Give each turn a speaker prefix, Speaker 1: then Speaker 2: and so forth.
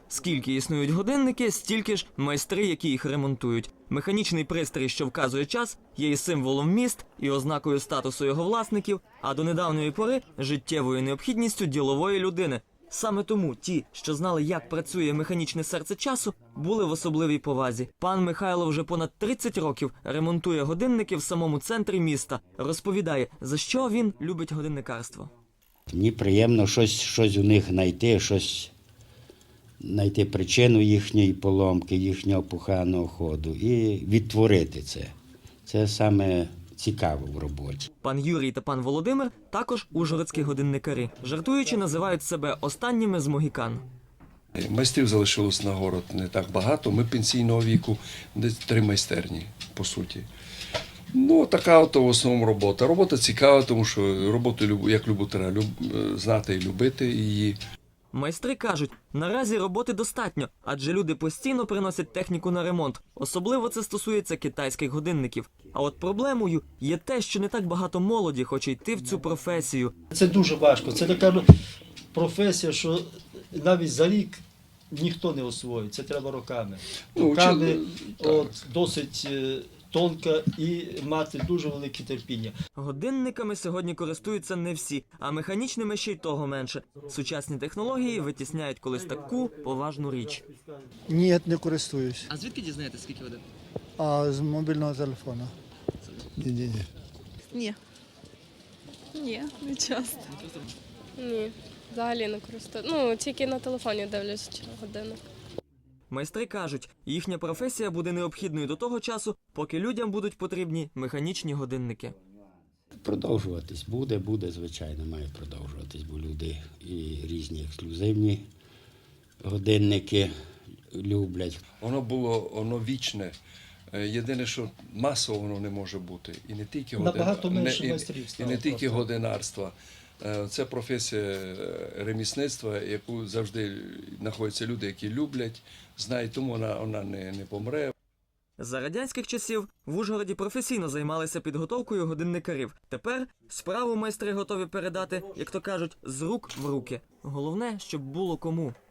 Speaker 1: Скільки існують годинники, стільки ж майстри, які їх ремонтують. Механічний пристрій, що вказує час, є і символом міст, і ознакою статусу його власників, а до недавньої пори – життєвою необхідністю ділової людини. Саме тому ті, що знали, як працює механічне серце часу, були в особливій повазі. Пан Михайло вже понад 30 років ремонтує годинники в самому центрі міста. Розповідає, за що він любить годинникарство.
Speaker 2: Мені приємно щось у них знайти причину їхньої поломки, їхнього поганого ходу і відтворити це. Це саме цікаво в роботі.
Speaker 1: Пан Юрій та пан Володимир також ужгородські годинникарі. Жартуючи, називають себе останніми з могікан.
Speaker 3: Майстрів залишилось на город не так багато. Ми пенсійного віку, десь 3 майстерні, по суті. Ну, така от в основному робота. Робота цікава, тому що роботу, як любу, треба знати і любити її.
Speaker 1: Майстри кажуть, наразі роботи достатньо, адже люди постійно приносять техніку на ремонт. Особливо це стосується китайських годинників. А от проблемою є те, що не так багато молоді хоче йти в цю професію.
Speaker 4: Це дуже важко. Це така професія, що навіть за рік ніхто не освоїть. Це треба роками. Роками досить тонка і мати дуже велике терпіння.
Speaker 1: Годинниками сьогодні користуються не всі, а механічними ще й того менше. Сучасні технології витісняють колись таку поважну річ.
Speaker 5: Ні, не користуюсь.
Speaker 1: А звідки дізнаєтесь, скільки годин?
Speaker 5: А з мобільного телефону. Ні.
Speaker 6: Ні, не часто. Ні, взагалі не користуюсь. Ну, тільки на телефоні дивлюсь годинник.
Speaker 1: Майстри кажуть, їхня професія буде необхідною до того часу, поки людям будуть потрібні механічні годинники.
Speaker 2: Продовжуватись буде, звичайно, має продовжуватись, бо люди і різні ексклюзивні годинники люблять.
Speaker 3: Воно вічне. Єдине, що масово воно не може бути. І не тільки
Speaker 4: Набагато менше майстрів стало.
Speaker 3: І не тільки годинарства. Це професія ремісництва, яку завжди знаходяться люди, які люблять, знають, тому вона не помре.
Speaker 1: За радянських часів в Ужгороді професійно займалися підготовкою годинникарів. Тепер справу майстри готові передати, як то кажуть, з рук в руки. Головне, щоб було кому.